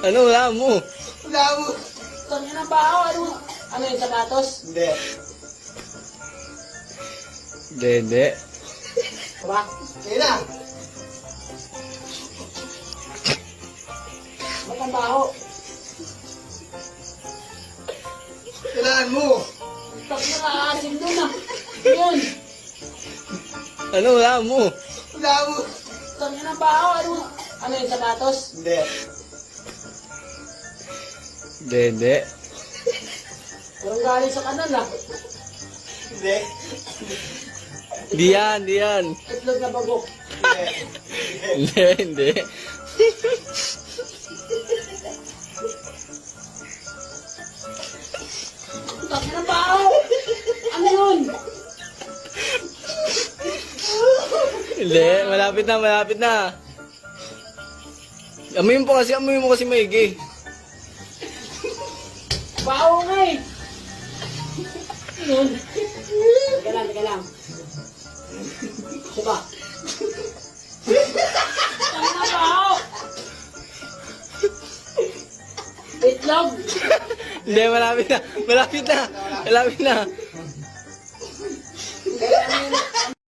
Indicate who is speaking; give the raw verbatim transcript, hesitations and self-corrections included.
Speaker 1: Ano, wala mo?
Speaker 2: Wala mo.
Speaker 3: Tangin na bao, ano? Ano yung sapatos?
Speaker 2: Hindi.
Speaker 1: Hindi, hindi.
Speaker 3: Diba?
Speaker 2: Ngayon na.
Speaker 3: Ba't ang baho?
Speaker 2: Kailangan mo.
Speaker 3: Tangin na aasim doon ah. Yun.
Speaker 1: Ano, wala mo?
Speaker 2: Wala mo.
Speaker 3: Tangin na bao, ano? Ano yung sapatos?
Speaker 2: Hindi.
Speaker 1: Hindi, hindi.
Speaker 3: Parang galing sa kanan ah.
Speaker 2: Hindi.
Speaker 1: Di yan, di yan.
Speaker 3: Itlog na bagok.
Speaker 2: Hindi.
Speaker 1: Hindi, hindi.
Speaker 3: Tangin na bao! Ano yun?
Speaker 1: Hindi, malapit na, malapit na. Amoy mo po kasi, amoy mo kasi maigi.
Speaker 3: Bao nga eh. Yun. Teka lang, teka lang. Diba? Tangin na bao! Itlog!
Speaker 1: Hindi, malapit na, malapit na, malapit na.
Speaker 3: Kaya ano yun?